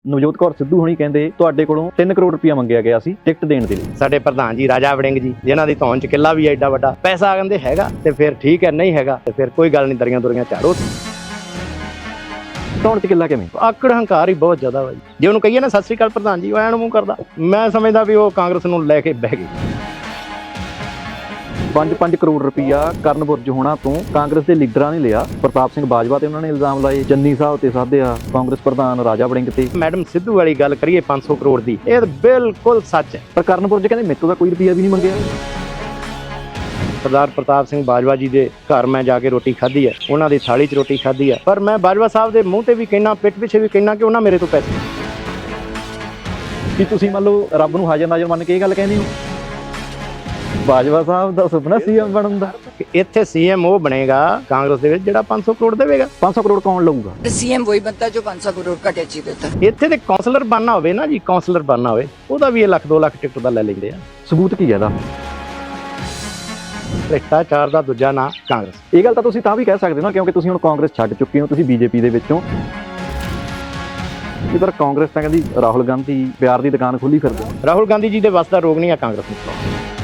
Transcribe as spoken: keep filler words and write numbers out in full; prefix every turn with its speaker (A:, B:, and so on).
A: ਨਵਜੋਤ ਕੌਰ ਸਿੱਧੂ ਹੋਣੀ ਕਹਿੰਦੇ ਤੁਹਾਡੇ ਕੋਲੋਂ ਤਿੰਨ ਕਰੋੜ ਰੁਪਇਆ ਮੰਗਿਆ ਗਿਆ ਸੀ ਟਿਕਟ ਦੇਣ ਦੇ ਲਈ।
B: ਸਾਡੇ ਪ੍ਰਧਾਨ ਜੀ ਰਾਜਾ ਵੜਿੰਗ ਜੀ, ਜਿਨ੍ਹਾਂ ਦੀ ਧੌਣ ਚ ਕਿੱਲਾ ਵੀ ਐਡਾ ਵੱਡਾ, ਪੈਸਾ ਕਹਿੰਦੇ ਹੈਗਾ ਤੇ ਫਿਰ ਠੀਕ ਹੈ, ਨਹੀਂ ਹੈਗਾ ਤੇ ਫਿਰ ਕੋਈ ਗੱਲ ਨਹੀਂ, ਦਰੀਆਂ ਦੁਰੀਆਂ ਝਾੜੋ।
A: ਧੌਣ ਚ ਕਿੱਲਾ ਕਿਵੇਂ?
B: ਆਕੜ ਹੰਕਾਰ ਹੀ ਬਹੁਤ ਜ਼ਿਆਦਾ ਵਾ ਜੀ। ਜੇ ਉਹਨੂੰ ਕਹੀਏ ਨਾ ਸਤਿ ਸ੍ਰੀ ਅਕਾਲ ਪ੍ਰਧਾਨ ਜੀ, ਉਹ ਐਨ ਮੂੰਹ ਕਰਦਾ। ਮੈਂ ਸਮਝਦਾ ਵੀ ਉਹ ਕਾਂਗਰਸ ਨੂੰ ਲੈ ਕੇ ਬਹਿ ਗਈ।
A: ਪੰਜ ਪੰਜ ਕਰੋੜ ਰੁਪਇਆ ਕਰਨ ਬੁਰਜ ਹੋਣਾ ਤੋਂ ਕਾਂਗਰਸ ਦੇ ਲੀਡਰਾਂ ਨੇ ਲਿਆ। ਪ੍ਰਤਾਪ ਸਿੰਘ ਬਾਜਵਾ ਤੇ ਉਹਨਾਂ ਨੇ ਇਲਜ਼ਾਮ ਲਾਏ, ਚੰਨੀ ਸਾਹਿਬ ਤੇ ਸਾਧਿਆ, ਕਾਂਗਰਸ ਪ੍ਰਧਾਨ ਰਾਜਾ ਵੜਿੰਗ ਤੇ।
B: ਮੈਡਮ ਸਿੱਧੂ ਵਾਲੀ ਗੱਲ ਕਰੀਏ ਪੰਜ ਸੌ ਕਰੋੜ ਦੀ, ਇਹ ਬਿਲਕੁਲ ਸੱਚ ਹੈ।
A: ਪਰ ਕਰਨ ਬੁਰਜ ਕਹਿੰਦੇ ਮੇਰੇ ਤੋਂ ਤਾਂ ਕੋਈ ਰੁਪਇਆ ਵੀ ਨਹੀਂ ਮੰਗਿਆ।
B: ਸਰਦਾਰ ਪ੍ਰਤਾਪ ਸਿੰਘ ਬਾਜਵਾ ਜੀ ਦੇ ਘਰ ਮੈਂ ਜਾ ਕੇ ਰੋਟੀ ਖਾਧੀ ਹੈ, ਉਹਨਾਂ ਦੀ ਥਾਲੀ 'ਚ ਰੋਟੀ ਖਾਧੀ ਹੈ। ਪਰ ਮੈਂ ਬਾਜਵਾ ਸਾਹਿਬ ਦੇ ਮੂੰਹ ਤੇ ਵੀ ਕਹਿਣਾ, ਪਿੱਠ ਪਿੱਛੇ ਵੀ ਕਹਿਣਾ ਕਿ ਉਹਨਾਂ ਮੇਰੇ ਤੋਂ ਪੈਸੇ।
A: ਕੀ ਤੁਸੀਂ ਮੰਨ ਲਓ ਰੱਬ ਨੂੰ ਹਾਜ਼ਰ ਨਾਜ਼ਰ ਮੰਨ ਕੇ ਇਹ ਗੱਲ ਕਹਿੰਦੇ ਹੋ? ਬਾਜਵਾ ਸਾਹਿਬ ਦਾ ਸੁਪਨਾ ਸੀਐਮ ਬਣਨ ਦਾ।
B: ਇੱਥੇ ਸੀਐਮ ਉਹ ਬਣੇਗਾ ਕਾਂਗਰਸ ਦੇ ਵਿੱਚ ਜਿਹੜਾ ਪੰਜ ਸੌ ਕਰੋੜ ਦੇਵੇਗਾ।
A: ਪੰਜ ਸੌ ਕਰੋੜ ਕੌਣ ਲਊਗਾ?
C: सीएम वही बनता है जो पाँच सौ करोड़ का टैक्स ही देता है।
B: ਇੱਥੇ ਤੇ ਕਾਉਂਸਲਰ ਬਣਨਾ ਹੋਵੇ ਨਾ ਜੀ, ਕਾਉਂਸਲਰ ਬਣਨਾ ਹੋਵੇ, ਉਹਦਾ ਵੀ ਇਹ ਲੱਖ ਦੋ ਲੱਖ ਟਿਕਟ ਦਾ ਲੈ ਲੈਂਦੇ ਆ।
A: ਸਬੂਤ ਕੀ ਹੈ ਇਹਦਾ?
B: ਭ੍ਰਿਸ਼ਟਾਚਾਰ ਦਾ ਦੂਜਾ ਨਾਂ ਕਾਂਗਰਸ।
A: ਇਹ ਗੱਲ ਤਾਂ ਤੁਸੀਂ ਤਾਂ ਵੀ ਕਹਿ ਸਕਦੇ ਹੋ ਨਾ, ਕਿਉਂਕਿ ਤੁਸੀਂ ਹੁਣ ਕਾਂਗਰਸ ਛੱਡ ਚੁੱਕੇ ਹੋ, ਤੁਸੀਂ ਬੀਜੇਪੀ ਦੇ ਵਿੱਚੋਂ। ਪਰ ਕਾਂਗਰਸ ਤਾਂ ਕਹਿੰਦੀ ਰਾਹੁਲ ਗਾਂਧੀ ਪਿਆਰ ਦੀ ਦੁਕਾਨ ਖੋਲੀ ਫਿਰਦੇ।
B: ਰਾਹੁਲ ਗਾਂਧੀ ਜੀ ਦੇ ਵੱਸ ਦਾ ਰੋਗ ਨਹੀਂ ਆ ਕਾਂਗਰਸ ਨੂੰ।